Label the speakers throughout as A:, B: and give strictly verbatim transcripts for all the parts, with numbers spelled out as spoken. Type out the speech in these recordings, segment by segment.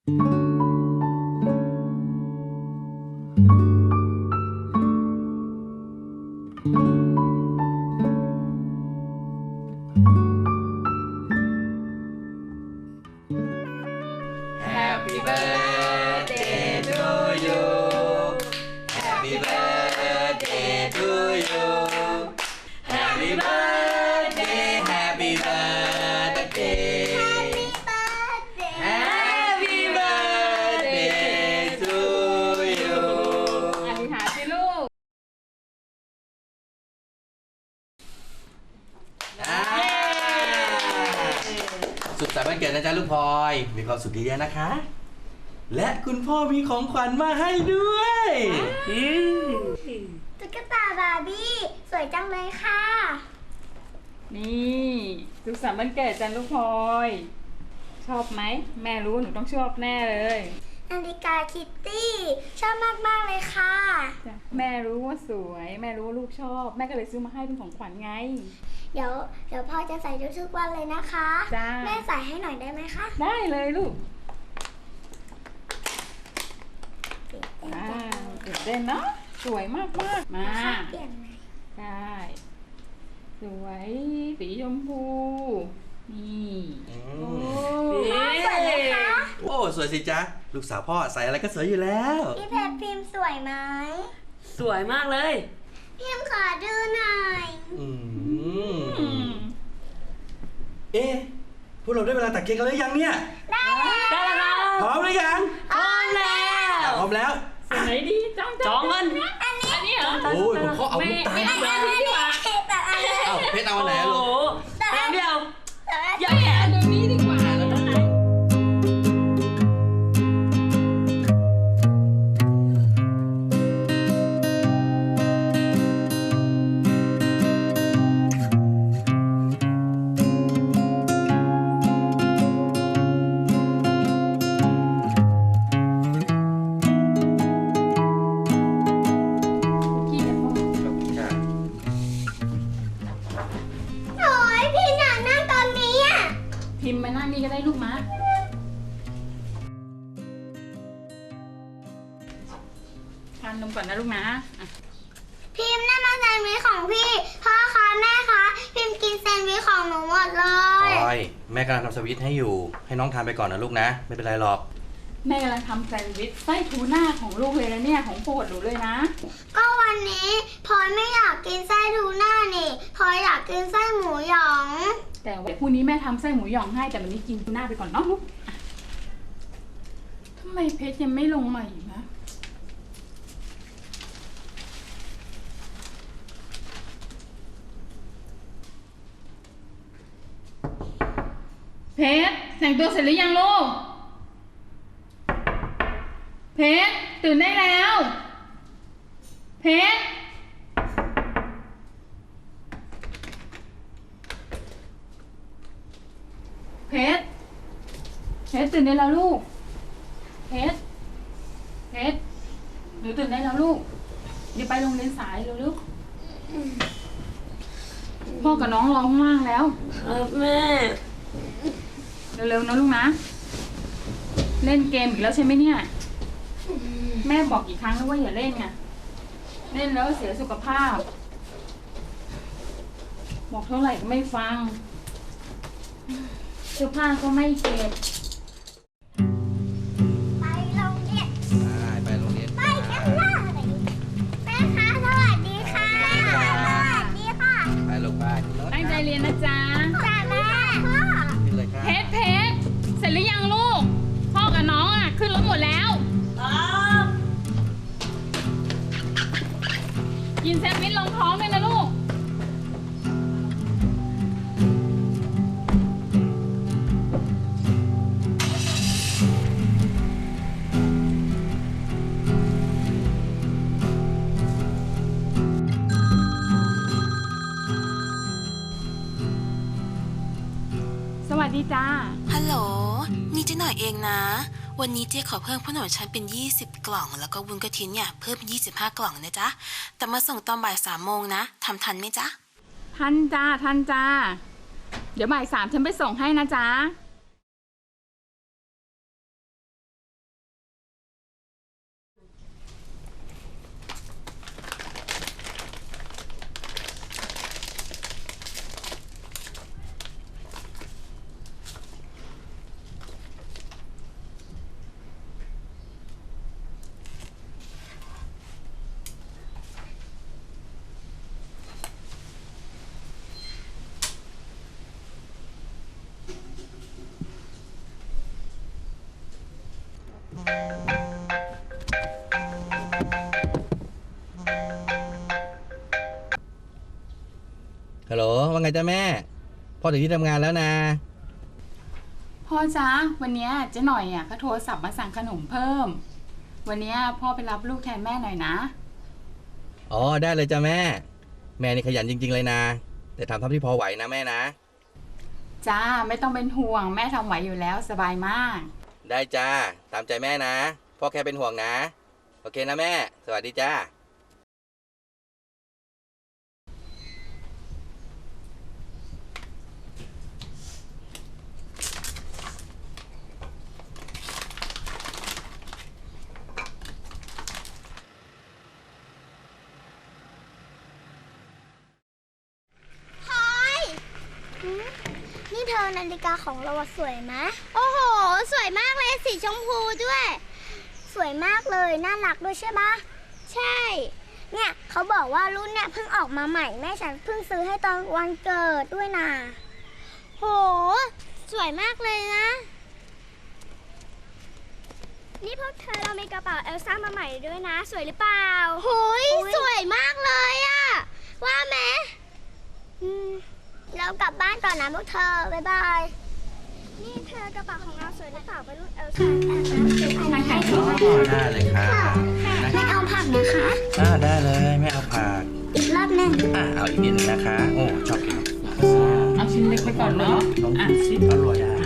A: Happy birthday to you Happy birthday to you Happy birthday Happy birthday Happy birthday to you
B: อธิษฐานสิลูก
A: สุขสันต์วันเกิดนะจ๊ะลูกพลอยมีความสุขเยอะๆนะคะ และคุณพ่อมีของขวัญมาให้ด้วย
C: ตุ๊กตาบาร์บี้สวยจังเลยค่ะ
B: นี่สุขสันต์วันเกิดจันลูกพลอยชอบไหมแม่รู้หนูต้องชอบแน่เลย
C: นาฬิกาคิตตี้ชอบมากๆเลยค่ะ
B: จ้ะแม่รู้ว่าสวยแม่รู้ว่าลูกชอบแม่ก็เลยซื้อมาให้เป็นของขวัญไง
C: เดี๋ยวเดี๋ยวพ่อจะใส่ทุกๆวันเลยนะคะ
B: จ้า
C: แม่ใส่ให้หน่อยได้ไหมคะ
B: ได้เลยลูกอ่าตื่นเต้นเนาะสวยมากมากๆมา
C: นะคะเปลี่ยนไหม
B: ได้สวยสีชมพูนี่
A: อื
B: โอ้
A: ม
C: พ่อสวยไหมคะ
A: โอ้สวยสิจ๊ะลูกสาวพ่อใส่อะไรก็สวยอยู่แล้ว
C: พี่เพชรพิมพ์สวยไหม
D: สวยมากเลย
C: พิมพ์ขอดูหน่อย
A: อืม
B: อืม
A: เอ๊ะพวกเราได้เวลาตัดเค้กกันหรือยังเนี่ย
C: ได้แล้ว
D: ได้แล้ว
A: พร้อมหรือยัง
D: พร้อมแล้ว
A: พร้อมแล้ว
B: สีไหนดีจ้อง
D: จองกัน
C: อันนี้
B: อันนี้เหรอ
A: โอ้ยผมก็เอาลูกตาล
B: ไม่ไม่ไม่ดีกว่า
C: แต่อันนี้
A: เอ้าเพชรเอาอันไหนอะ
D: โอ้
A: ลู
D: โห
A: ก
D: แป๊บเดียว
C: แต่อัน
D: อย่า
C: นี้
D: แขน
B: เดี๋ยวนี้ดีกว่าแล้วนะ ขี้กันพ่อ
A: ขอบคุณค่ะ
C: โอ้ยพี่หนังนั่งตอนนี้อ่ะ
B: พิมพ์มานั่งนี่ก็ได้ลูกมาทานนมก่อนนะลูกนะอ่ะ
C: พิมพ์นั่นมาแซนด์วิชของพี่ พ่อคะแม่คะ พิมพ์กินแซนด์วิชของหนูหมดเล
A: พ
C: ย
A: ลอยแม่กำลังทำสวิตช์ให้อยู่ ให้น้องทานไปก่อนนะลูกนะ ไม่เป็นไรหรอก
B: แม่กำลังทำแซนด์วิชไส้ทูน่าของลูกเลยนะเนี่ยของโปรดหนูเลยนะ
C: ก็วันนี้พลอยไม่อยากกินไส้ทูน่านี่พลอยอยากกินไส้หมูหยอง
B: แต่ว่าพรุ่งนี้แม่ทำไส้หมูหยองให้แต่วันนี้กินทูน่าไปก่อนเนาะลูกอ่ะทำไมเพชรยังไม่ลงมาอีกนะเพชรแต่งตัวเสร็จหรือยังลูกเพชรตื่นได้แล้วเพชรเพชรเพชรตื่นได้แล้วลูกเพชรเพชรหนูตื่นได้แล้วลูกเดี๋ยวไปโรงเรียนสายเร็วลูกพ่อกับน้องรอข้างล่างแล้ว
D: ครับแม่
B: เร็วๆนะลูกนะ เล่นเกมอีกแล้วใช่ไหมเนี่ย แม่บอกกี่ครั้งแล้วว่าอย่าเล่นไงเล่นแล้วเสียสุขภาพ บอกเท่าไหร่ก็ไม่ฟังเสื้อผ้าก็ไม่เก็บ
C: ไปโรงเรียน
A: ได้ไปโรงเรียน
C: ไปกันเลยแม่คะสวัสดีค่ะสวัสดีค่ะ
A: ไปลูกไปขึ้นรถ
B: ตั้งใจเรียนนะจ๊ะ
C: จ้าแม่พ่อ
A: ขึ้นเลยครับ
B: เพชรเพชรเสร็จหรือยังลูก พ่อกับน้องอ่ะ ขึ้นรถหมดแล้ว
D: ครับ
B: กินแซนด์วิชลงท้องด้วยนะลูก สวัสดีจ้า
E: ฮัลโหล นี่เจ๊หน่อยเองนะ วันนี้เจ๊ขอเพิ่มขนมชั้นเป็น ยี่สิบ กล่อง แล้วก็วุ้นกะทิเนี่ยเพิ่ม ยี่สิบห้า กล่องนะจ๊ะ แต่มาส่งตอนบ่ายสามโมงนะ ทำทันไหมจ๊ะ
B: ทันจ้า ทันจ้า เดี๋ยวบ่ายสามฉันไปส่งให้นะจ๊ะ
A: ไงจ้าแม่พ่อถึงที่ทำงานแล้วนะ
B: พ่อจ๊ะวันเนี้ยเจ๊หน่อยอ่ะเขาโทรศัพท์มาสั่งขนมเพิ่ม วันเนี้ยพ่อไปรับลูกแทนแม่หน่อยนะ
A: อ๋อได้เลยจ้าแม่ แม่นี่ขยันจริงๆเลยนะ แต่ทำเท่าที่พอไหวนะแม่นะ
B: จ้าไม่ต้องเป็นห่วงแม่ทำไหวอยู่แล้วสบายมาก
A: ได้จ้าตามใจแม่นะพ่อแค่เป็นห่วงนะโอเคนะแม่สวัสดีจ้า
C: พลอยหืมนี่เธอนาฬิกาของเราอะสวยไหมโอ้โห สวยมากเลยสีชมพูด้วย สวยมากเลยน่ารักด้วยใช่ปะใช่ เนี่ยเขาบอกว่ารุ่นเนี่ยเพิ่งออกมาใหม่แม่ฉันเพิ่งซื้อให้ตอนวันเกิดด้วยนะโห สวยมากเลยนะ นี่พวกเธอเรามีกระเป๋าเอลซ่ามาใหม่ด้วยนะ สวยหรือเปล่าโหยสวยมากเลยอะว่าไหมอืมเรากลับบ้านก่อนนะพวกเธอ บ๊ายบาย นี่เธอกระเป๋าของเราสวยหรือเปล่าเป็นรุ่นเอลซ่าแอบนะซื้ออันนี้ให้เธอ
A: ได้เลยค่ะ
C: ไม่เอาผักนะคะ
A: อ่าได้เลยไม่เอาผัก
C: อีกรอบหนึ่ง
A: อ่าเอาอีกนิดนึงนะคะโอ้ชอบกิน
B: เอาชิ้นเล็กไปก่อนเนาะ
A: ลอง
B: อ่ะ
A: ดูสิอร่อยอ่ะ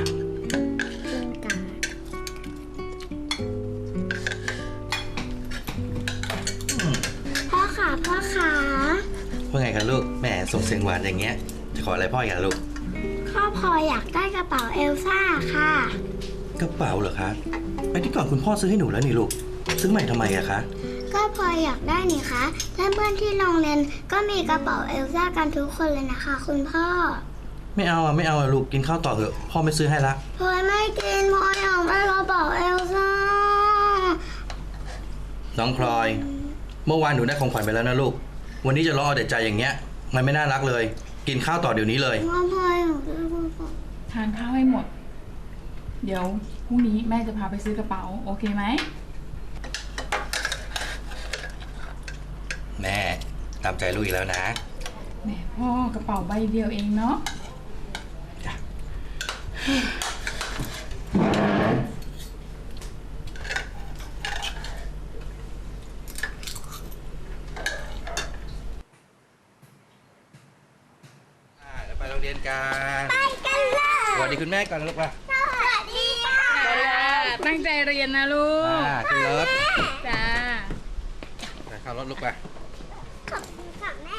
C: พ่อขาพ่อขา
A: ว่าไงคะลูกแหม่ส่งเสียงหวานอย่างเงี้ยจะขออะไรพ่ออีกอ่ะลูก
C: พ่อพลอยอยากได้กระเป๋าเอลซ่าค่ะ
A: กระเป๋าเหรอคะไอ้ที่ก่อนคุณพ่อซื้อให้หนูแล้วนี่ลูกซื้อใหม่ทำไมอะคะ
C: ก็พลอยอยากได้นี่คะและเพื่อนที่โรงเรียนก็มีกระเป๋าเอลซ่ากันทุกคนเลยนะคะ คุณพ่อ
A: ไม่เอาอ่ะไม่เอาอ่ะลูกกินข้าวต่อเถอะพ่อไม่ซื้อให้ละ
C: พลอยไม่กินพลอยอยากได้กระเป๋าเอลซ่า
A: น้องพลอย เมื่อวานหนูได้ของขวัญไปแล้วนะลูกวันนี้จะรอเอาแต่ใจอย่างเงี้ยมันไม่น่ารักเลย กินข้าวต่อเดี๋ยวนี้เลย
C: พ่อพลอยอยากได้กระเป๋า
B: ทานข้าวให้หมด เดี๋ยวพรุ่งนี้แม่จะพาไปซื้อกระเป๋าโอเคไหม
A: แม่ตามใจลูกอีกแล้วนะ
B: แหมพ่อกระเป๋าใบเดียวเองเนาะ
A: จ้ะ อ่าเดี๋ยวไปโรงเรียนกัน
C: ไปกันเลย
A: สวัสดีคุณแม่ก่อนนะลูกป่ะ
C: สวัสดีค่ะ
B: ตั้งใจเรียนนะลูก
A: อ่าขึ้นรถ
B: จ้า
A: ไปเข้ารถลูกป่ะ
C: ขอบคุณค่ะแม่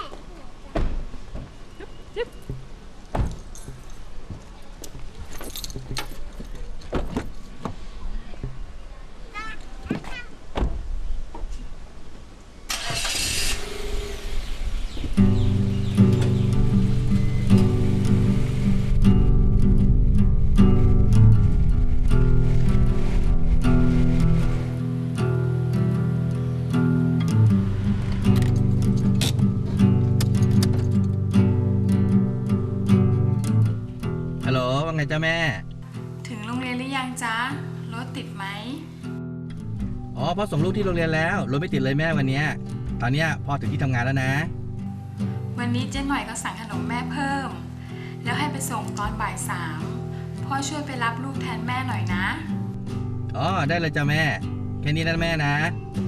A: ฮัลโหลว่าไงจ้าแม่
B: ถึงโรงเรียนหรือยังจ๊ะรถติดไหม
A: อ๋อพ่อส่งลูกที่โรงเรียนแล้วรถไม่ติดเลยแม่วันเนี้ยตอนเนี้ยพ่อถึงที่ทำงานแล้วนะ
B: วันนี้เจ๊หน่อยก็สั่งขนมแม่เพิ่ม แล้วให้ไปส่งตอนบ่ายสามพ่อช่วยไปรับลูกแทนแม่หน่อยนะ
A: อ๋อได้เลยจ้าแม่แค่นี้นะแม่นะ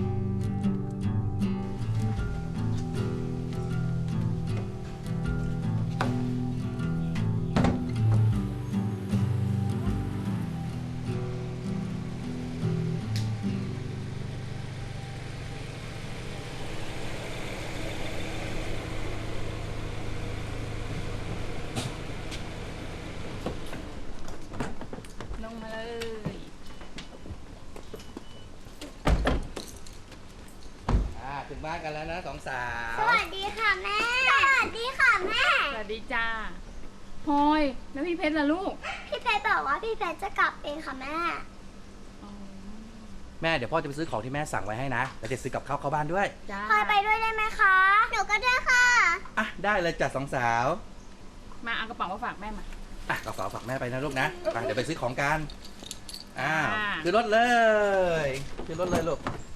B: ลงมาเลย
A: อ่าถึงบ้านกันแล้วนะสองสาว
C: สวัสดีค่ะแม่ สวัสดีค่ะแม่
B: สวัสดีจ้าพลอยแล้วพี่เพชรล่ะลูก
C: พี่เพชรบอกว่าพี่เพชรจะกลับเองค่ะแม่
A: แม่เดี๋ยวพ่อจะไปซื้อของที่แม่สั่งไว้ให้นะแล้วจะซื้อกับข้าวเข้าบ้านด้วย
B: จ้า
C: พลอยไปด้วยได้ไหมคะ หนูก็ด้วยค่ะ
A: อ่ะได้เลยจ้ะสองสาว
B: มาเอากระเป๋ามาฝากแม่มา
A: อ่ะกระเป๋าฝากแม่ไปนะลูกนะไปเดี๋ยวไปซื้อของกันอ้าว
B: อ่า
A: ขึ้นรถเลยขึ้นรถเลยลูก